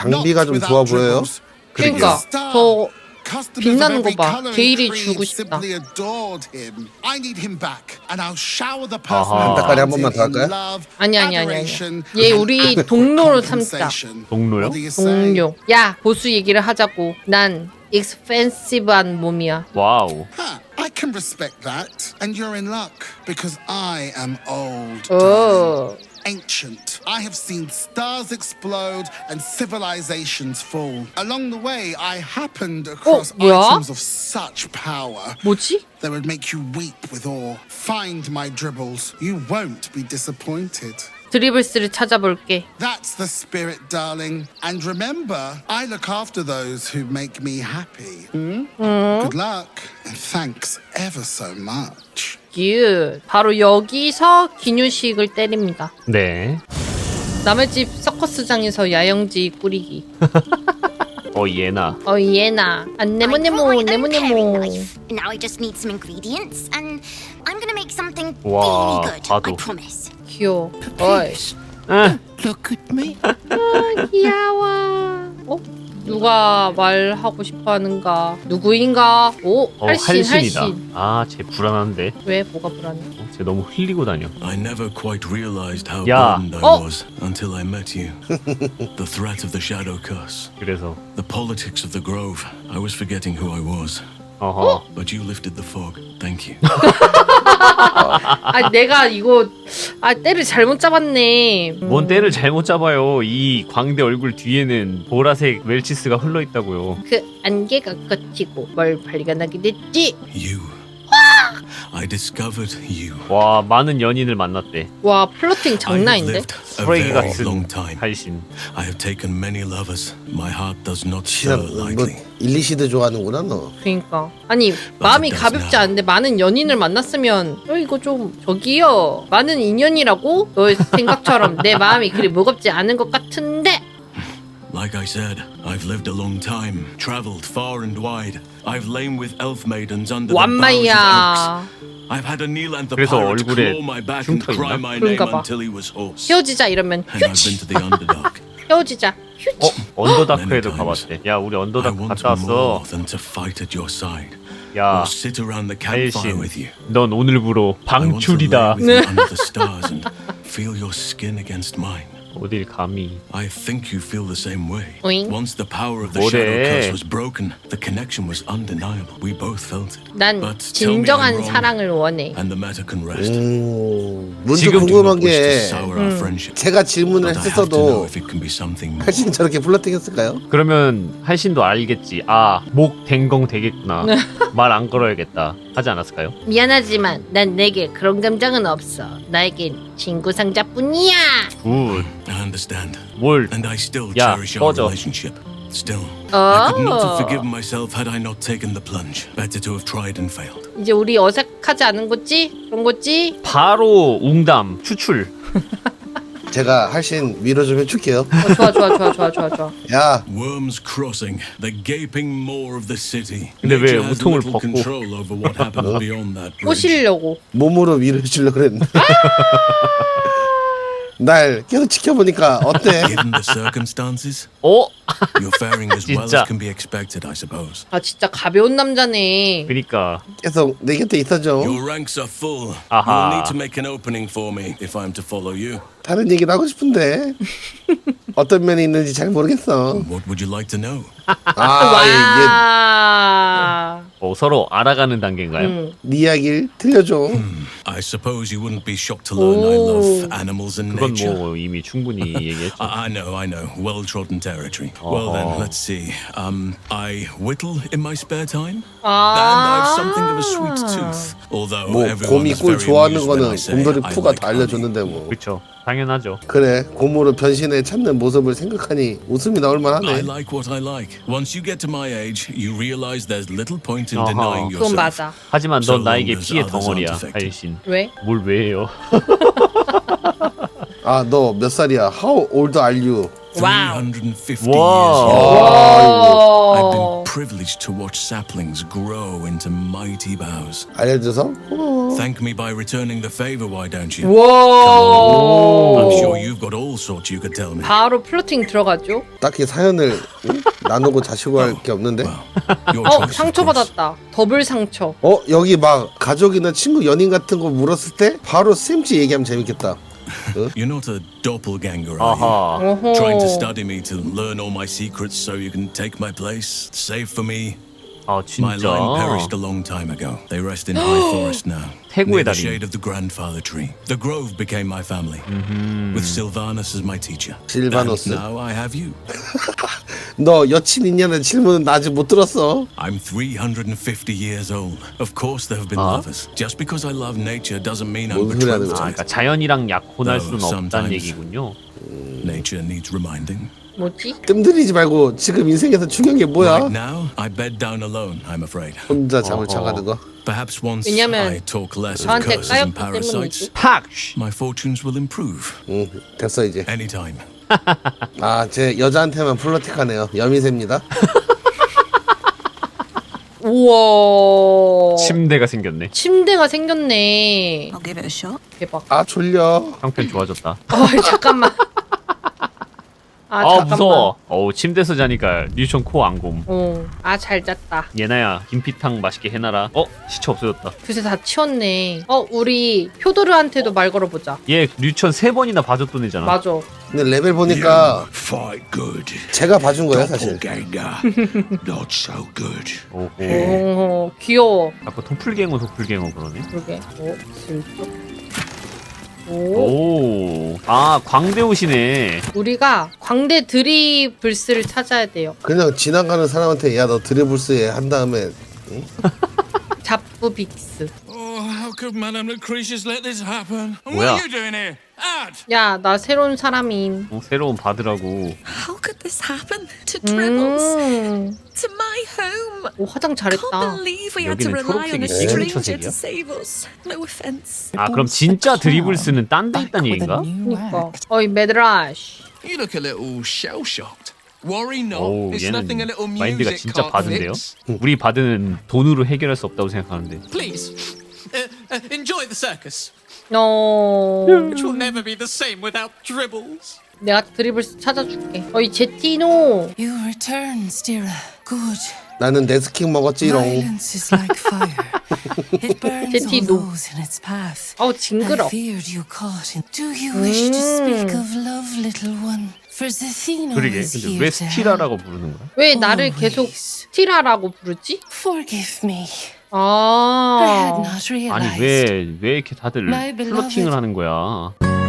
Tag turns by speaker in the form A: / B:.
A: 장비가 좀 좋아 보여요.
B: 그러니까 저 빛나는 거 봐. 게일이 주고 싶다.
A: 한 닭다리 한 번만 더 할까요?
B: 아니. 얘 우리 동료로 삼자.
C: 동료요?
B: 동료. 야 보수 얘기를 하자고. 난 익스펜시브한 몸이야.
C: 와우.
D: I can respect that, and you're in luck because I am old,
B: 오.
D: ancient. I have seen stars explode and civilizations fall. Along the way, I happened across
B: 뭐야?
D: items of such power
B: 뭐지?
D: that would make you weep with awe. Find my dribbles. You won't be disappointed.
B: 드리블스를 찾아볼게.
D: That's the spirit, darling. And remember, I look after those who make me happy. Good luck, and thanks ever so much.
B: 바로 여기서 기뉴식을 때립니다.
C: 네.
B: 남의 집 서커스장에서 야영지 꾸리기.
C: 얘나.
B: 얘나. 네모네모.
E: Now I just need some ingredients, and I'm gonna make something
C: 와,
E: really good.
C: 봐도.
E: I promise.
B: 귀여워. 어이.
D: Look at me.
B: 귀여워. 누가 말하고 싶어하는가? 누구인가? 할신.
C: 할신이다. 쟤 불안한데.
B: 왜? 뭐가 불안해?
C: 쟤 너무 흘리고 다녀.
F: I never quite realized how
C: 야.
F: burdened I was until I met you. The threat of the shadow curse,
C: 그래서
F: the politics of the grove. I was forgetting who I was. But you lifted the fog. Thank you.
B: 내가 이거 때를 잘못 잡았네.
C: 뭔 때를 잘못 잡아요. 이 광대 얼굴 뒤에는 보라색 웰치스가 흘러 있다고요.
B: 그 안개가 걷히고 뭘 발견하게 됐지?
F: You. I discovered you.
C: 와, 많은 연인을 만났대.
B: 와, 플러팅
F: I
B: 장난
F: have
B: 아닌데?
F: lived a
C: 쓰레기
F: very
C: 같은
F: long time.
C: 할신.
F: I have taken many lovers. My heart does not stir
A: 진짜 뭐
F: lightly.
A: 일리시드 좋아하는구나 너.
B: 그러니까 아니 마음이 가볍지 않은데 많은 연인을 만났으면 이거 좀 저기요 많은 인연이라고? 너의 생각처럼 내 마음이 그리 무겁지 않은 것 같은데.
F: Like I said, I've lived a long time, traveled far and wide. I've lain with elf maidens under the boughs of
B: 완마이야.
F: oaks. I've had a kneel and the
C: 그래서
F: pirate
C: 얼굴에
F: claw my back and
C: 흉터
F: cry
C: 있나?
F: my name
B: 그런가 봐.
F: until he was hoarse.
B: 헤어지자 이러면
F: And I've been
B: 휴지.
F: to the underdark.
B: 헤어지자 휴지.
C: 언더다크에도 가봤대. 야, 우리
F: I
C: 언더다크
F: want
C: 갔다
F: more
C: 왔어.
F: than to fight at your side
C: 야,
F: or sit around the campfire
C: 할신,
F: with you.
C: 넌 오늘부로
F: I want to lay
C: 방출이다.
F: with you under the stars and feel your skin against mine.
C: 어딜 감히.
F: I think you feel the same way.
B: 오잉?
F: Once the power of the
C: 뭐래?
F: shadow curse was broken, the connection was undeniable. We both felt it.
B: 난
F: But tell me I'm
B: 진정한
F: wrong,
B: 사랑을 원해.
F: and the matter can rest.
A: 먼저
C: 지금
A: 궁금한
F: Wish to
A: 게
F: sour our friendship,
A: 제가 질문을
F: but I have to know
A: 했었어도
F: if it can be something more.
A: 할신 저렇게 플러팅했을까요?
C: 그러면 할신도 알겠지. 목 댕공 되겠구나. 말 안 걸어야겠다. 하지 않았을까요?
B: 미안하지만 난 내게 그런 감정은 없어. 나에겐 친구 상자뿐이야.
C: 굿.
F: I understand,
C: 뭘?
F: and I still
C: 야,
F: cherish our
C: 꺼져.
F: relationship. Still, I could not have
B: 어.
F: forgiven myself had I not taken the plunge. Better to have tried and failed.
B: 이제 우리 어색하지 않은 거지? 그런 거지?
C: 바로 웅담 추출.
A: 제가 할신 위로 좀 해줄게요.
B: 좋아.
A: 야,
F: Worms Crossing, the gaping maw of the city.
C: 근데 왜
F: Nature has
C: 우통을
F: little
C: 벗고?
F: control over what happens beyond that bridge.
B: 꼬시려고.
A: 몸으로 위로 해주려고 그랬는데. 날 계속 지켜보니까 어때?
F: Given the circumstances, you're faring as well
C: 진짜.
F: as can be expected, I suppose.
B: 진짜 가벼운 남자네.
C: 그니까.
A: 계속 내 곁에 있어줘.
F: Your ranks are full.
C: 아하.
F: You'll need to make an opening for me if I'm to follow you.
A: 다른 얘기도 하고 싶은데 어떤 면이 있는지 잘 모르겠어.
F: What would you like to know?
B: 와.
C: 서로 알아가는 단계인가요?
A: 네 이야기를 들려줘.
F: I suppose you wouldn't be shocked to learn I love animals and
C: 그건
F: nature.
C: 뭐 이미 충분히 얘기했죠.
F: I know. Well-trodden territory. Well then, let's see. I whittle in my spare time, and I've something of a sweet tooth. Although
A: 뭐
F: everyone
A: 곰이
F: is
A: 꿀
F: very
A: 좋아하는
F: amused when
A: 거는
F: I say
A: 곰돌이
F: I
A: 푸가
F: like
A: 다
F: honey.
A: 알려줬는데 뭐.
C: 그렇죠. 당연하죠.
A: 그래, 곰으로 변신해 찾는 모습을 생각하니 웃음이 나올
F: I
A: 만하네.
F: like what I like. Once you get to my age, you realize there's little point in
C: 어허.
F: denying
B: 그건
F: yourself.
B: 맞아.
C: 하지만
F: So
C: 넌 나에게
F: long as
C: 피해
F: others
C: 덩어리야,
F: aren't affected.
C: 할신.
B: 왜?
C: 뭘 왜 해요?
A: 아, 너 몇 살이야? How old are you?
B: 와우.
F: 350
C: Wow.
F: years young. I've been
B: 오.
F: privileged to watch saplings grow into mighty boughs.
A: 알려줘서 고마워.
F: Thank me by returning the favor, why don't you?
B: 와.
F: I'm sure you've got all sort you could tell me.
B: 바로 플러팅 들어가죠.
A: 딱히 사연을 나누고 자시고 할 게 없는데.
F: Your choice, of course.
B: 상처받았다. 더블 상처.
A: 여기 막 가족이나 친구 연인 같은 거 물었을 때 바로 쌤지 얘기하면 재밌겠다.
F: You're not a doppelganger, are you?
C: 아하.
B: 어허.
F: Trying to study me to learn all my secrets so you can take my place, save for me.
C: 아
F: My line perished
C: 진짜.
F: a long time ago. They rest in high forest now.
C: 태고의
F: Near the
C: 달인.
F: shade of the grandfather tree. The grove became my family, with Sylvanus as my teacher.
A: Sylvanus.
F: And now I have you.
A: 너 여친 있냐는 질문은 나 아직 못 들었어.
F: I'm 350 years old. Of course there have been lovers. Just because I love nature doesn't mean I'm
A: 뭔 소리 하는
F: betrothed
C: 아,
F: to
C: 그러니까
F: it.
C: 자연이랑 약혼할 수는 없다는
F: sometimes.
C: 얘기군요.
F: Nature needs reminding.
B: 뭐지?
A: 뜸들이지 말고 지금 인생에서 중요한 게 뭐야?
F: Right now, I bed down alone, I'm afraid.
A: 혼자 잠을 자가는 거.
F: Perhaps once
B: 왜냐면
F: I talk less of
B: 저한테
F: curses and
B: 까였기
F: parasites,
B: 때문이지.
C: 팍!
F: my fortunes will improve.
A: 됐어 이제.
F: Anytime.
A: 아, 제 여자한테만 플러틱하네요. 여미새입니다.
B: 우와.
C: 침대가 생겼네.
B: 침대가 생겼네.
G: I'll give it a shot.
B: 대박.
A: 아 졸려.
C: 형편 좋아졌다.
B: 잠깐만.
C: 아
B: 잠깐만.
C: 무서워. 어우 침대에서 자니까 류천 코 안곰.
B: 잘 잤다.
C: 예나야 김피탕 맛있게 해놔라. 시체 없어졌다.
B: 그새 다 치웠네. 우리 효도르한테도 말 걸어보자.
C: 얘 류천 3번이나 봐줬던 애잖아.
B: 맞아.
A: 근데 레벨 보니까
F: Fight good.
A: 제가 봐준 거예요 사실.
F: Doppelganger. Not so good.
C: 오호.
B: 귀여워.
C: 아까 도플갱어 그러네.
B: 그러게. 슬쩍.
C: 오. 아 광대우시네.
B: 우리가 광대 드리블스를 찾아야 돼요.
A: 그냥 지나가는 사람한테 야 너 드리블스 한 다음에
B: 잡부 빅스.
F: Oh, how could Madame Lucretius let this happen? And
C: 뭐야?
F: what are you doing here? Ad!
B: 야, 나 새로운 사람임.
C: 새로운 바드라고.
G: How could this happen to Dribbles? To my home?
B: 오, 화장 잘했다.
G: Can't believe we had to
C: 여기는
G: rely on a
C: 초록색이네.
G: stranger
C: 초록색이야?
G: to save us. No offense.
C: 아 그럼 진짜 드리블스는 딴 데 있다는 얘기인가?
B: 그니까. 어이, 메드라시.
F: You look a little shell-shocked. Worry not.
C: 오
F: It's nothing a
C: 얘는
F: little
C: 마인드가
F: music
C: 진짜
F: can't
C: 바드인데요?
F: fix.
C: 우리 바드는 돈으로 해결할 수 없다고 생각하는데.
H: Please, enjoy the circus,
B: 너.
H: which will never be the same without Dribbles.
B: 내가 드리블스 찾아줄게. 어이, 제티노.
I: You return, Stira. Good.
A: 나는 네스킹 먹었지롱.
I: Violence is like fire. It burns
B: 제티
I: all
B: 노.
I: those in its path.
B: 어우,
I: I
B: 징그러.
I: feared you caught in. Do you wish to speak of love, little one? For Zethino
C: 그러게
I: is
C: 근데
I: here
C: 왜
I: to help.
C: 스티라라고 부르는 거야?
B: 왜 나를 계속 스티라라고 부르지?
I: Forgive me. I had
B: 아.
I: not realized.
C: 아니 왜 이렇게 다들
I: My beloved.
C: 플러팅을 하는 거야?